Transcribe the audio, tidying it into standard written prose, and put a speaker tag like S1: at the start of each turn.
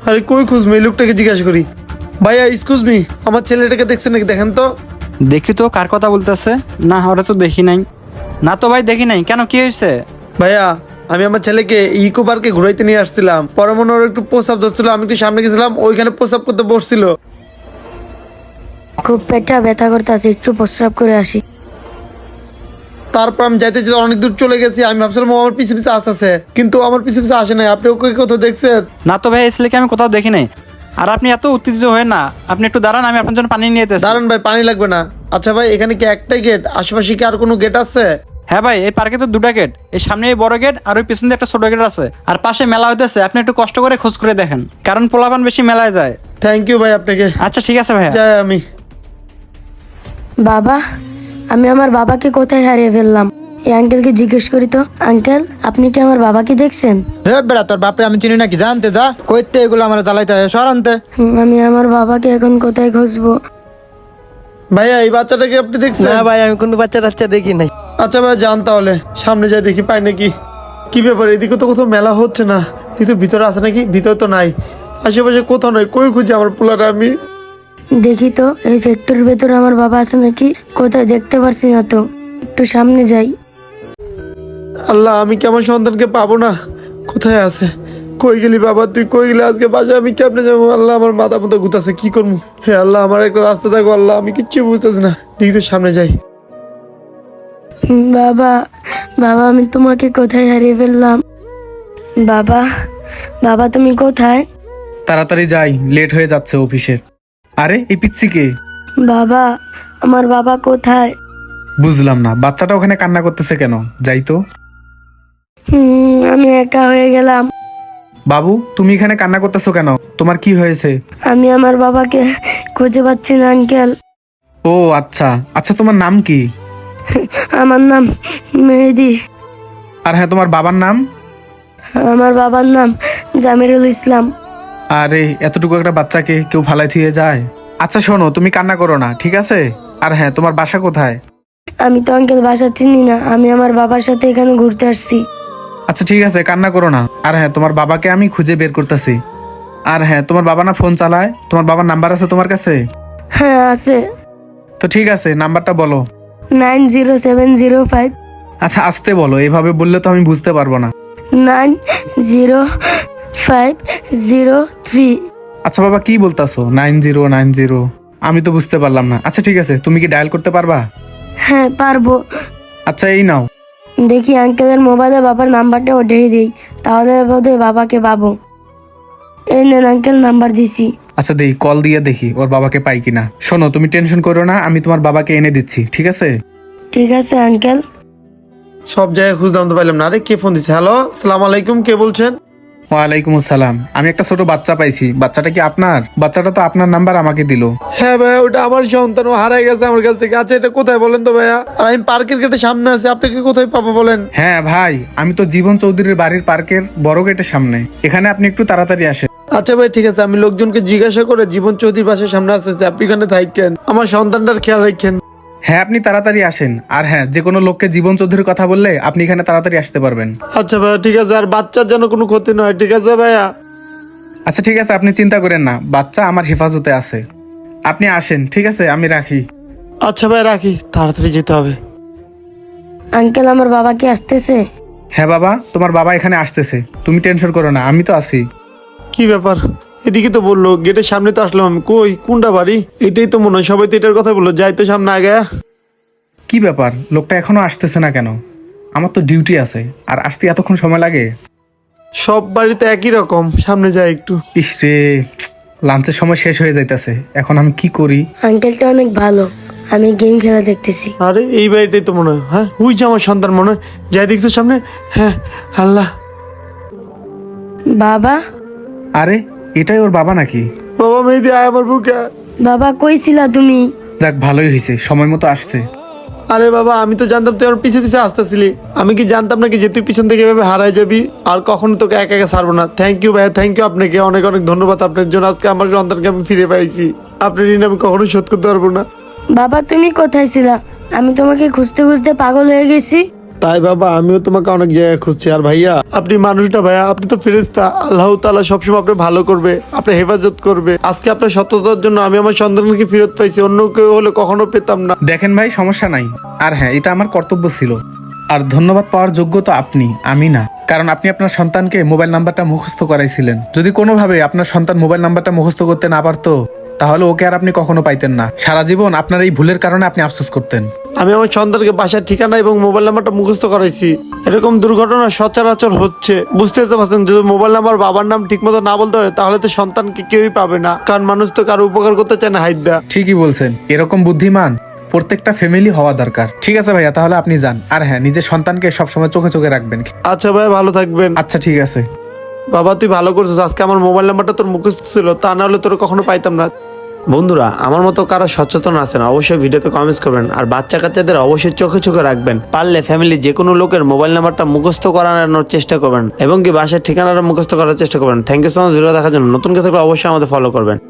S1: আরে কই খুঁজবো, এই লোকটাকে জিজ্ঞাসা করি। ভাইয়া এক্সকিউজ মি, আমার ছেলেটাকে দেখছেন নাকি, দেখেন তো।
S2: দেখি তো কার কথা বলতেছে। না, ওরা তো দেখি নাই। না তো ভাই, দেখি নাই। কেন, কি হয়েছে?
S1: ভাইয়া আমি আমার ছেলেকে ইকো পার্কে ঘুরাইতে নিয়ে আসছিলাম, পরে মনে ওর একটু প্রস্রাব ধরছিল, আমি একটু সামনে গেছিলাম, ওইখানে প্রস্রাব করতে বসছিল।
S3: খুব পেটটা ব্যথা করতেছে, একটু প্রস্রাব করে আসি।
S1: তারপর আমি যাইতে যেতে অনেক দূর চলে গেছি, আমি ভাবছিলাম ও আমার পিছে পিছে আসতেছে, কিন্তু আমার পিছে পিছে আসে নাই। আপনি ওকে কোথাও দেখছেন?
S2: না তো ভাই, এই ছেলেকে আমি কোথাও দেখি নাই। আর আপনি এত উত্তেজিত হয়ে না, আপনি একটু দাঁড়ান, আমি আপনার জন্য পানি নিয়ে যেতেছি।
S1: দাঁড়ান ভাই, পানি লাগবে না। আচ্ছা ভাই, এখানে কি একটাই গেট? আশেপাশে কি আর কোনো গেট আছে?
S2: হ্যাঁ ভাই, এই পার্কে তো দুটা গেট। এই সামনে এই বড় গেট, আর ওই পিছন দিয়ে একটা ছোট গেট আছে। আর পাশে মেলা হইতেছে, আপনি একটু কষ্ট করে খোঁজ করে দেখেন, কারণ পোলাপান বেশি মেলায় যায়।
S1: থ্যাংক ইউ ভাই আপনাকে।
S2: আচ্ছা ঠিক আছে ভাইয়া।
S1: যাই আমি।
S3: বাবা, আমি আমার বাবাকে কোথায় হারিয়ে ফেললাম? এই আঙ্কেলকে জিজ্ঞেস করি তো। আঙ্কেল, আপনি কি আমার বাবাকে দেখছেন?
S4: হে বেড়া, তোর বাপরে আমি চিনি নাকি? জানতে যা, কইতে এগুলো আমার জ্বালাইতে হয়, সরানতে।
S3: আমি আমার বাবাকে এখন কোথায় খুঁজবো?
S1: ভাইয়া এই বাচ্চাটাকে আপনি দেখছেন?
S4: না ভাই, আমি কোনো বাচ্চা টাচ্চা দেখি নাই।
S1: আচ্ছা ভাই যান তাহলে, সামনে যাই দেখি পাই নাকি। কি ব্যাপার, এদিকে তো কোথাও মেলা হচ্ছে না, কিন্তু ভিতরে আছে নাকি? ভিতরে তো নাই, আশেপাশে কোথাও নয়। কই খুঁজে আমার পোলাটা আমি।
S3: দেখি তো এই ফ্যাক্টরির ভেতরে আমার বাবা আছে নাকি। কোথায় দেখতে পারছি না তো, একটু সামনে যাই।
S1: আল্লাহ, আমি কি আমার সন্তানকে পাবো না? কোথায় আছে? কই গেলি বাবা, তুই কই গেলি? আজকে বাসায় আমি কেমনে যাবো? আল্লাহ, আমার মাথা মতো ঘুরতেছে, কি করবো? হে আল্লাহ, আমার একটা রাস্তা দেখো আল্লাহ, আমি কিচ্ছু বুঝতেছি না। দেখি তো সামনে যাই।
S3: বাবা, বাবা, আমি তোমাকে কোথায় হারিয়ে ফেললাম? বাবা, বাবা, তুমি কোথায়?
S5: তাড়াতাড়ি যাই, লেট হয়ে যাচ্ছে অফিসে। আরে এই পিচ্ছি কে?
S3: বাবা, আমার বাবা কোথায়?
S5: বুঝলাম না, বাচ্চাটা ওখানে কান্না করতেছে কেন? যাই তো।
S3: আমি একা হয়ে গেলাম।
S5: বাবু, তুমি এখানে কান্না করতেছো কেন? তোমার কি হয়েছে?
S3: আমি আমার বাবাকে খুঁজে পাচ্ছি না আঙ্কেল।
S5: ও আচ্ছা আচ্ছা, তোমার নাম কি?
S3: আমার নাম মেহেদি।
S5: আর হ্যাঁ, তোমার বাবার নাম?
S3: আমার বাবার নাম জামিরুল ইসলাম।
S5: আরে এতটুকু একটা বাচ্চাকে কেউ ফালাই থিয়ে যায়? আচ্ছা শোনো, তুমি কান্না করো না, ঠিক আছে? আর হ্যাঁ, তোমার বাসা কোথায়?
S3: আমি তো আঙ্কেল বাসা চিনি না, আমি আমার বাবার সাথে এখানে ঘুরতে আসছি।
S5: আচ্ছা ঠিক আছে, কান্না করো না। আর হ্যাঁ, তোমার বাবাকে আমি খুঁজে বের করতেছি। আর হ্যাঁ, তোমার বাবা না ফোন চালায়? তোমার বাবার নাম্বার আছে তোমার কাছে?
S3: হ্যাঁ আছে।
S5: তো ঠিক আছে, নাম্বারটা বলো।
S3: 90705
S5: আচ্ছা আস্তে বলো, এভাবে বললে তো আমি বুঝতে পারবো না।
S3: 90503।
S5: আচ্ছা বাবা, কি বলতাছো 9090? আমি তো বুঝতে পারলাম না। আচ্ছা ঠিক আছে, তুমি কি ডায়াল করতে পারবা?
S3: হ্যাঁ পারবো।
S5: আচ্ছা এই নাও।
S3: দেখি আঙ্কেলের মোবাইলে বাবার নাম্বারটা ওটাই দিই, তাহলে বোধহয় বাবাকে পাবো। এই নেন আঙ্কেল, নাম্বার দিছি।
S5: আচ্ছা দেই, কল দিয়ে দেখি ওর বাবাকে পাই কিনা। শোনো, তুমি টেনশন করো না, আমি তোমার বাবাকে এনে দিচ্ছি, ঠিক আছে?
S3: ঠিক আছে আঙ্কেল।
S1: সব জায়গায় খুঁজলাম তো পাইলাম না। আরে কে ফোন দিচ্ছে? হ্যালো, সালাম আলাইকুম, কে বলছেন?
S5: ওয়ালাইকুম আসসালাম। আমি একটা ছোট বাচ্চা পাইছি। বাচ্চাটা কি আপনার? বাচ্চাটা তো আপনার নাম্বার আমাকে দিল।
S1: হ্যাঁ ভাইয়া, ওটা আমার সন্তান, ও হারাই গেছে আমার কাছ থেকে। আচ্ছা এটা কোথায় বলেন তো ভাইয়া? আর আমি পার্কের গেটের সামনে আছি, আপনাকে কোথায় পাবো বলেন?
S5: হ্যাঁ ভাই, আমি তো জীবন চৌধুরীর বাড়ির পার্কের বড় গেটের সামনে। এখানে আপনি একটু তাড়াতাড়ি আসেন।
S1: আচ্ছা ভাই ঠিক আছে, আমি লোকজনকে জিজ্ঞাসা করে জীবন চৌধুরীর বাসার সামনে আসতেছি, আপনি এখানে থাকেন, আমার সন্তানটার খেয়াল রাখেন।
S5: হ্যাঁ আপনি তাড়াতাড়ি আসেন। আর হ্যাঁ, যে কোনো লোককে জীবন চৌধুরীর কথা বললে আপনি এখানে তাড়াতাড়ি আসতে পারবেন।
S1: আচ্ছা ভাইয়া ঠিক আছে, আর বাচ্চার যেন কোনো ক্ষতি নয়, ঠিক আছে ভাইয়া?
S5: আচ্ছা ঠিক আছে, আপনি চিন্তা করেন না, বাচ্চা আমার হেফাজতে আছে। আপনি আসেন, ঠিক আছে? আমি রাখি।
S1: আচ্ছা ভাই রাখি, তাড়াতাড়ি যেতে হবে।
S3: আঙ্কেল, আমার বাবা কি আসতেছে?
S5: হ্যাঁ বাবা, তোমার বাবা এখানে আসতেছে, তুমি টেনশন করো না, আমি তো আছি।
S1: কি ব্যাপার, এদিকে তো বললো, গেটের সামনে তো আসলাম আমি। কই কোনটা বাড়ি? এটাই তো মনে হয়, সবাই তো এটার কথা বললো। যাই তো সামনে আগে।
S5: কি ব্যাপার, লোকটা এখনো আসতেছে না কেন? আমার তো ডিউটি আছে, আর আসতে এতক্ষণ সময় লাগে?
S1: সব বাড়িতে একই রকম। সামনে যাই একটু।
S5: ইসরে, লাঞ্চের সময় শেষ হয়ে যাইতেছে, এখন আমি কি করি?
S3: আঙ্কেলটা অনেক ভালো, আমি গেম খেলা দেখতেছি।
S1: আরে এই বাড়িটাই তো মনে হয়। হ্যাঁ ওই যে আমার সন্তান মনে হয়। যাই দেখতো সামনে। হ্যাঁ আল্লাহ।
S3: বাবা,
S5: আরে এটাই ওর বাবা নাকি?
S1: বাবা মেহেদি আয় আমার বুকে।
S3: বাবা কই ছিলা তুমি?
S5: যাক, ভালোই হয়েছে, সময় মতো আসছে।
S1: আরে বাবা, আমি তো জানতাম তুই আমার পিছে পিছে আসতেছিলি। আমি কি জানতাম নাকি যে তুই পিছন থেকে এভাবে হারাই যাবি? আর কখনো তোকে একা একা ছাড়বো না। থ্যাংক ইউ ভাইয়া, থ্যাংক ইউ আপনাকে, অনেক অনেক ধন্যবাদ আপনার জন্য। আজকে আমার সন্তানকে আমি ফিরে পাইছি। আপনার ঋণ আমি কখনো শোধ করতে পারবো না।
S3: বাবা তুমি কোথায় ছিলা? আমি তোমাকে খুঁজতে খুঁজতে পাগল হয়ে গেছি।
S1: তাই বাবা আমিও তোমাকে অনেক জায়গায় খুঁজছি। আর ভাইয়া আপনি মানুষটা ভাইয়া, আপনি তো ফেরেশতা, আল্লাহ তাআলা সবসময় আপনি ভালো করবে, আপনি হেফাজত করবে। আজকে আপনার সততার জন্য আমি আমার সন্তানকে ফেরত পাইছি, অন্য কেউ হলে কখনো পেতাম না।
S5: দেখেন ভাই, সমস্যা নাই। আর হ্যাঁ, এটা আমার কর্তব্য ছিল। আর ধন্যবাদ পাওয়ার যোগ্য তো আপনি, আমি না। কারণ আপনি আপনার সন্তানকে মোবাইল নাম্বারটা মুখস্থ করাইছিলেন। যদি কোনোভাবে আপনার সন্তান মোবাইল নাম্বারটা মুখস্থ করতে না পারতো, তাহলে ওকে আর আপনি কখনো পাইতেন না। সারা জীবন আপনার এই ভুলের কারণে আপনি আফসোস করতেন।
S1: আমি আমার সন্তানকে বাসার ঠিকানা এবং মোবাইল নাম্বারটা মুখস্থ করাইছি। এরকম দুর্ঘটনা সচরাচর হচ্ছে, বুঝতে তো পারছেন। যদি মোবাইল নাম্বার বাবার নাম ঠিক মতো না বলতে পারে, তাহলে তো সন্তানকে কেউই পাবে না। কারণ মানুষ তো কারো উপকার করতে চায় না হাইদা।
S5: ঠিকই বলছেন, এরকম বুদ্ধিমান প্রত্যেকটা ফ্যামিলি হওয়া দরকার। ঠিক আছে ভাইয়া, তাহলে আপনি যান। আর হ্যাঁ, নিজের সন্তানকে সবসময় চোখে চোখে রাখবেন।
S1: আচ্ছা ভাই, ভালো থাকবেন।
S5: আচ্ছা ঠিক আছে।
S1: বাবা তুই ভালো করছিস, আজকে আমার মোবাইল নাম্বারটা তোর মুখস্থ ছিল, তা না হলে তোর কখনো পাইতাম না। বন্ধুরা, আমার মতো কারো সচেতন আছেন অবশ্যই ভিডিওতে কমেন্টস করবেন। আর বাচ্চা কাচ্চাদের অবশ্যই চোখে চোখে রাখবেন। পারলে ফ্যামিলি যে কোনো লোকের মোবাইল নাম্বারটা মুখস্থ করানোর চেষ্টা করবেন এবং কি বাসার ঠিকানাটা মুখস্থ করার চেষ্টা করবেন। Thank you so much video দেখার জন্য। নতুন কেউ থাকলে অবশ্যই আমাদের ফলো করবেন।